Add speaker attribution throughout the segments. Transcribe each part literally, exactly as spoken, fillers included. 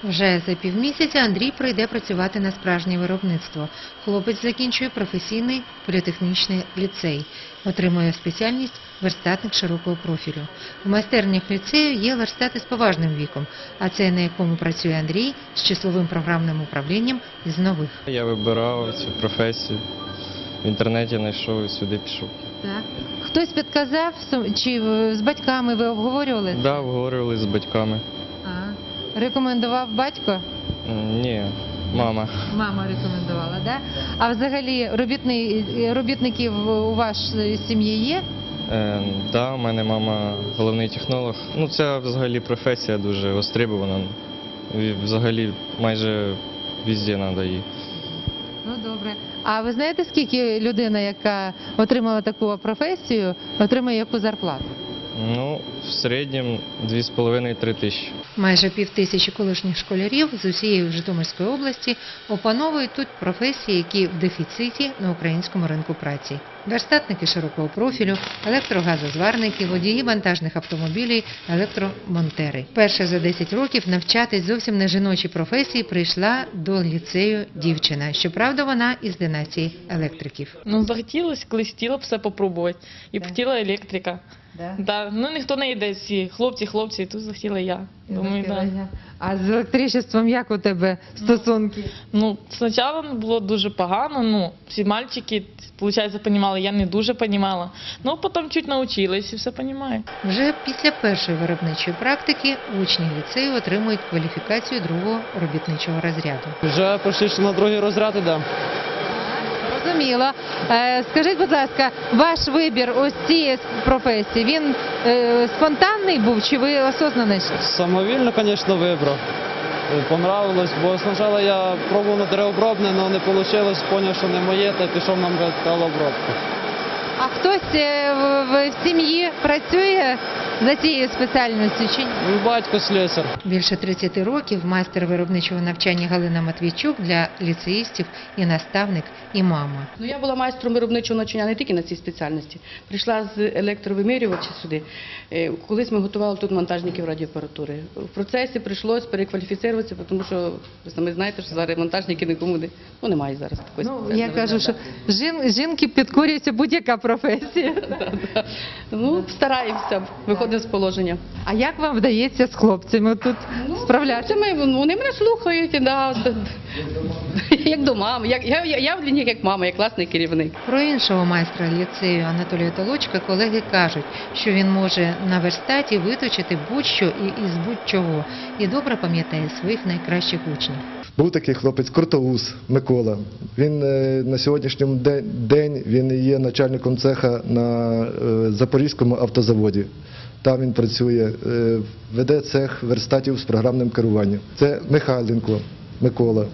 Speaker 1: Вже за півмісяця Андрій прийде працювати на справжнє виробництво. Хлопець закінчує професійний політехнічний ліцей. Отримує спеціальність верстатник широкого профілю. В майстернях ліцею є верстати з поважним віком, а це на якому працює Андрій з числовим програмним управлінням із нових.
Speaker 2: Я вибирав цю професію, в інтернеті знайшов і сюди пішов.
Speaker 1: Так. Хтось підказав, чи з батьками ви обговорювали?
Speaker 2: Так, да, обговорювали з батьками.
Speaker 1: А, рекомендував батько?
Speaker 2: Ні, мама.
Speaker 1: Мама рекомендувала, да? А взагалі робітни, робітників у вашій сім'ї є?
Speaker 2: Е, да, у мене мама головний технолог. Ну, це взагалі професія дуже востребована. І взагалі майже везде треба її.
Speaker 1: Ну, добре. А ви знаєте, скільки людина, яка отримала таку професію, отримує яку зарплату?
Speaker 2: Ну, в середньому дві з половиною - три тисячі.
Speaker 1: Майже півтисячі колишніх школярів з усієї Житомирської області опановують тут професії, які в дефіциті на українському ринку праці. Верстатники широкого профілю, електрогазозварники, водії вантажних автомобілів, електромонтери. Перша за десять років навчатись зовсім не жіночій професії прийшла до ліцею дівчина. Щоправда, вона із династії електриків.
Speaker 3: Ну, захотілося, колись хотіла б все попробувати. І б хотіла електрика.
Speaker 1: Да?
Speaker 3: Да. Ну, ніхто не йде, всі хлопці, хлопці, тут захотіла я. Думаю, да.
Speaker 1: А з електричеством як у тебе стосунки?
Speaker 3: Ну, спочатку було дуже погано, ну, всі мальчики, виходить, розуміли, я не дуже розуміла. Ну, потім чуть навчилась і все розумію.
Speaker 1: Вже після першої виробничої практики учні ліцею отримують кваліфікацію другого робітничого розряду.
Speaker 4: Вже почти на другий розряд іде.
Speaker 1: Зрозуміло. Е, Скажіть, будь ласка, ваш вибір ось цієї професії, він е, спонтанний був чи ви осознано йшли?
Speaker 4: Самовільно, звісно, вибрав. Понравилось, бо спочатку я пробував на деревообробне, але не вийшло, зрозумів, що не моє, та пішов на металообробку.
Speaker 1: А хтось е, в, в сім'ї працює за цією спеціальністю чи ні?
Speaker 4: Батько слесар.
Speaker 1: Більше тридцяти років майстер виробничого навчання Галина Матвійчук для ліцеїстів і наставник, і мама.
Speaker 5: Ну, я була майстром виробничого навчання не тільки на цій спеціальності. Прийшла з електровимірювача сюди. Е, Колись ми готували тут монтажників радіоапаратури. В процесі прийшлося перекваліфіцируватися, тому що ви самі знаєте, що зараз монтажники нікому не, ну, немає зараз такої
Speaker 1: Ну,
Speaker 5: спеціальності.
Speaker 1: я кажу, що жін, жінки підкорюється будь-яка професія.
Speaker 5: Ну, стараємося, виходимо з положення.
Speaker 1: А як вам вдається з хлопцями тут справлятися?
Speaker 5: Це ми, вони мене слухають, да, як до мами. Як, я, я, я для них як мама, як класний керівник.
Speaker 1: Про іншого майстра ліцею Анатолія Толочка колеги кажуть, що він може на верстаті виточити будь-що і із будь-чого. І добре пам'ятає своїх найкращих учнів.
Speaker 6: Був такий хлопець Крутоус Микола. Він е, на сьогоднішній день, день він є начальником цеха на е, Запорізькому автозаводі. Там він працює, е, веде цех верстатів з програмним керуванням. Це Михайленко Микола.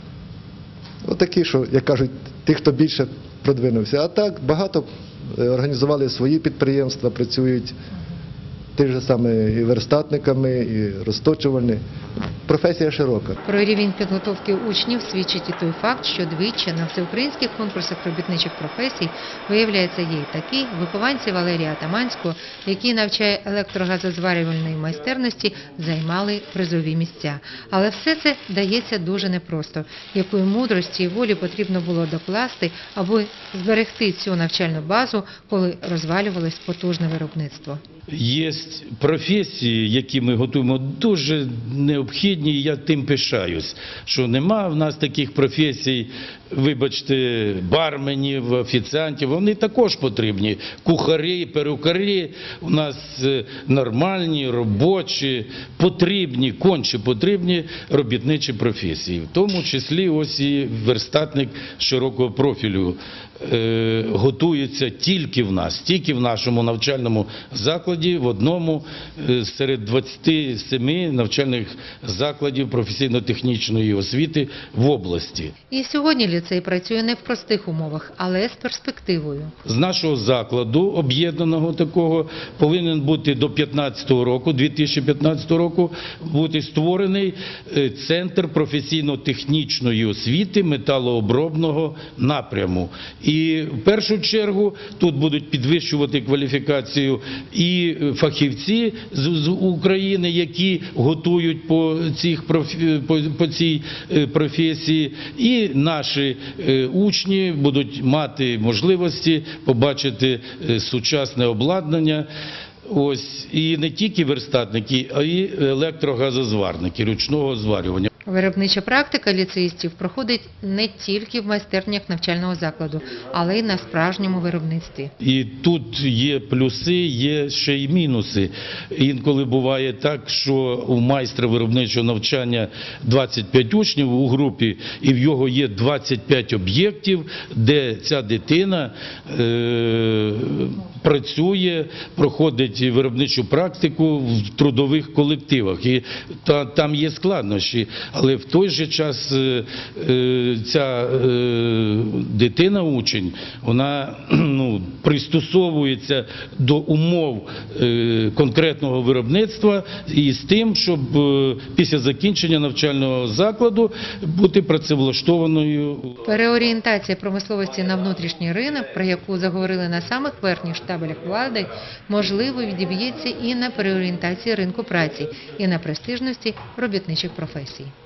Speaker 6: Отакі, що, як кажуть, ті, хто більше продвинувся. А так багато е, організували свої підприємства, працюють тих же саме і верстатниками, і розточувальні. Професія широка.
Speaker 1: Про рівень підготовки учнів свідчить і той факт, що двічі на всеукраїнських конкурсах робітничих професій, виявляється, є й такі вихованці Валерія Атаманського, який навчає електрогазозварювальної майстерності, займали призові місця. Але все це дається дуже непросто. Якої мудрості і волі потрібно було докласти, аби зберегти цю навчальну базу, коли розвалювалось потужне виробництво.
Speaker 7: Є професії, які ми готуємо, дуже необхідні, і я тим пишаюсь, що нема в нас таких професій, вибачте, барменів, офіціантів, вони також потрібні. Кухарі, перукарі у нас нормальні, робочі, потрібні, конче потрібні робітничі професії. В тому числі ось і верстатник широкого профілю е, готується тільки в нас, тільки в нашому навчальному закладі, в одному е, серед двадцяти семи навчальних закладів професійно-технічної освіти в області.
Speaker 1: І сьогодні ліцей працює не в простих умовах, але з перспективою.
Speaker 7: З нашого закладу, об'єднаного такого, повинен бути до п'ятнадцятого року, дві тисячі п'ятнадцятого року, бути створений Центр професійно-технічної освіти металообробного напряму. І в першу чергу тут будуть підвищувати кваліфікацію і фахівці з, з України, які готують по, цих профі, по, по цій професії, і наші учні будуть мати можливості побачити сучасне обладнання. Ось, і не тільки верстатники, а й електрогазозварники ручного зварювання.
Speaker 1: Виробнича практика ліцеїстів проходить не тільки в майстернях навчального закладу, але й на справжньому виробництві.
Speaker 7: І тут є плюси, є ще й мінуси. Інколи буває так, що у майстра виробничого навчання двадцять п'ять учнів у групі, і в його є двадцять п'ять об'єктів, де ця дитина е, працює, проходить виробничу практику в трудових колективах. І та, там є складнощі. Але в той же час ця дитина, учень, вона ну, пристосовується до умов конкретного виробництва і з тим, щоб після закінчення навчального закладу бути працевлаштованою.
Speaker 1: Переорієнтація промисловості на внутрішній ринок, про яку заговорили на самих верхніх штабелях влади, можливо відіб'ється і на переорієнтації ринку праці, і на престижності робітничих професій.